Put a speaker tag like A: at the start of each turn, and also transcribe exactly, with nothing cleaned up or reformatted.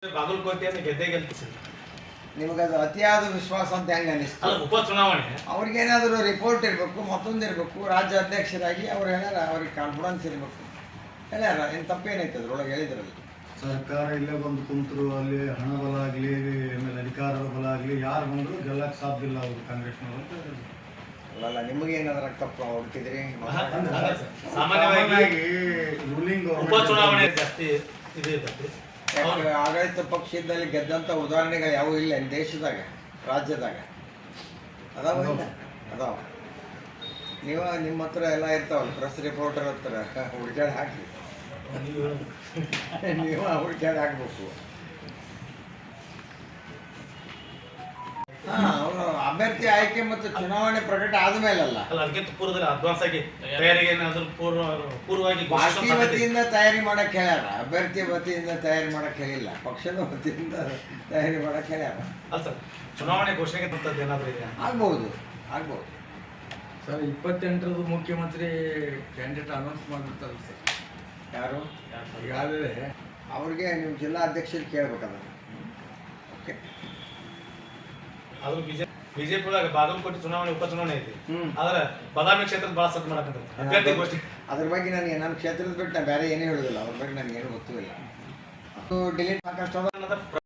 A: ಬಾಗಲಕೋಟೆಯನ್ನು ಗೆದ್ದೇ ಗೆಲ್ಪಿಸಿ
B: ನಿಮಗೆ ಅದು ಅತಿಯಾದ ವಿಶ್ವಾಸ ಅಂತ ಹೆಂಗೆ ಅನಿಸ್ತು?
A: ಉಪಚುನಾವಣೆ
B: ಅವ್ರಿಗೇನಾದರೂ ರಿಪೋರ್ಟ್ ಇರಬೇಕು, ಮತ್ತೊಂದು ಇರಬೇಕು, ರಾಜ್ಯ ಅಧ್ಯಕ್ಷರಾಗಿ ಅವ್ರು ಹೇಳ್ಯಾರ, ಅವ್ರಿಗೆ ಕಾನ್ಫಿಡೆನ್ಸ್ ಇರಬೇಕು ಹೇಳ್ಯಾರ. ಏನು ತಪ್ಪೇನೈತೆ ಅದ್ರೊಳಗೆ ಹೇಳಿದ್ರಲ್ಲಿ?
C: ಸರ್ಕಾರ ಇಲ್ಲೇ ಬಂದು ಕುಂತರು, ಅಲ್ಲಿ ಹಣ ಬಲ ಆಗಲಿ, ಆಮೇಲೆ ಅಧಿಕಾರದ ಬಲ ಆಗಲಿ, ಯಾರು ಬಂದರೂ ಗೆಲ್ಲಕ್ಕೆ ಸಾಧ್ಯ ಇಲ್ಲ ಅವರು ಕಾಂಗ್ರೆಸ್ನವರು.
B: ಅಲ್ಲ, ನಿಮಗೇನಾದ್ರೂ ತಪ್ಪು ಹುಡುಕಿದ್ರಿ?
A: ಸಾಮಾನ್ಯವಾಗಿ
C: ರೂಲಿಂಗ್
A: ಉಪಚುನಾವಣೆ ಜಾಸ್ತಿ ಇದು ಇರ್ತೈತಿ.
B: ಆಡಳಿತ ಪಕ್ಷದಲ್ಲಿ ಗೆದ್ದಂಥ ಉದಾಹರಣೆಗಳು ಯಾವೂ ಇಲ್ಲ ದೇಶದಾಗ, ರಾಜ್ಯದಾಗ ಅದಾವ ಇಲ್ಲ ಅದಾವ. ನೀವು ನಿಮ್ಮ ಹತ್ರ ಎಲ್ಲ ಇರ್ತಾವಲ್ಲ, ಪ್ರೆಸ್ ರಿಪೋರ್ಟರ್ ಹತ್ರ ಹುಡುಕ್ಯಾಡಿ ಹಾಕಿ ನೀವು ಹುಡುಕ್ಯಾಡಿ ಹಾಕ್ಬೇಕು. ಹಾ, ಅವರು ಅಭ್ಯರ್ಥಿ ಆಯ್ಕೆ ಮತ್ತು ಚುನಾವಣೆ ಪ್ರಕಟ ಆದ್ಮೇಲಲ್ಲ,
A: ಅಲ್ಲ ಅದಕ್ಕಿಂತ ಪೂರ್ವದಲ್ಲಿ ಅಡ್ವಾನ್ಸ್ ಆಗಿ ತಯಾರಿಗೆ ಏನಾದ್ರು ಪೂರ್ವ ಪೂರ್ವವಾಗಿ
B: ಪಾರ್ಟಿ ವತಿಯಿಂದ ತಯಾರಿ ಮಾಡಕ್ ಹೇಳ್ಯಾರ, ಅಭ್ಯರ್ಥಿ ವತಿಯಿಂದ ತಯಾರಿ ಮಾಡಕ್ ಹೇಳಿಲ್ಲ, ಪಕ್ಷದ ವತಿಯಿಂದ ತಯಾರಿ ಮಾಡಕ್ ಹೇಳ್ಯಾರ.
A: ಅಲ್ಲ ಸರ್, ಚುನಾವಣೆ ಘೋಷಣೆಗೆ ತಂತದ್ದು ಏನಾದರೂ ಇದೆ?
B: ಆಗ್ಬಹುದು ಆಗ್ಬಹುದು
D: ಸರ್. ಇಪ್ಪತ್ತೆಂಟರದು ಮುಖ್ಯಮಂತ್ರಿ ಕ್ಯಾಂಡಿಡೇಟ್ ಅನೌನ್ಸ್ ಮಾಡಿರ್ತಾರೆ ಸರ್.
B: ಯಾರು?
D: ಈಗಾಗಲೇ
B: ಅವ್ರಿಗೆ ನೀವು ಜಿಲ್ಲಾ ಅಧ್ಯಕ್ಷರು ಕೇಳ್ಬೇಕದ. ಓಕೆ,
A: ಅದು ಬಿಜೆಪಿ ಬಿಜೆಪಿ ಒಳಗೆ ಬಾಗಲಕೋಟೆ ಚುನಾವಣೆ ಉಪಚುನಾವಣೆ ಐತಿ.
B: ಹ್ಮ್.
A: ಆದ್ರೆ ಬಾದಾಮಿ ಕ್ಷೇತ್ರದ ಭಾಳ ಸತ್ ಮಾಡಕ್ಕೆ ಅಭ್ಯರ್ಥಿ ಘೋಷಣೆ.
B: ಅದ್ರ ಬಗ್ಗೆ ನನಗೆ ನನ್ನ ಕ್ಷೇತ್ರದ ಬಿಟ್ಟು ನಾನು ಬೇರೆ ಏನೇ ಹೇಳೋದಿಲ್ಲ, ಅದ್ರ ಬಗ್ಗೆ ನನಗೇನು ಗೊತ್ತೂ ಇಲ್ಲ. ಅದು ಡಿಲೀಟ್ ಸಾಕಷ್ಟು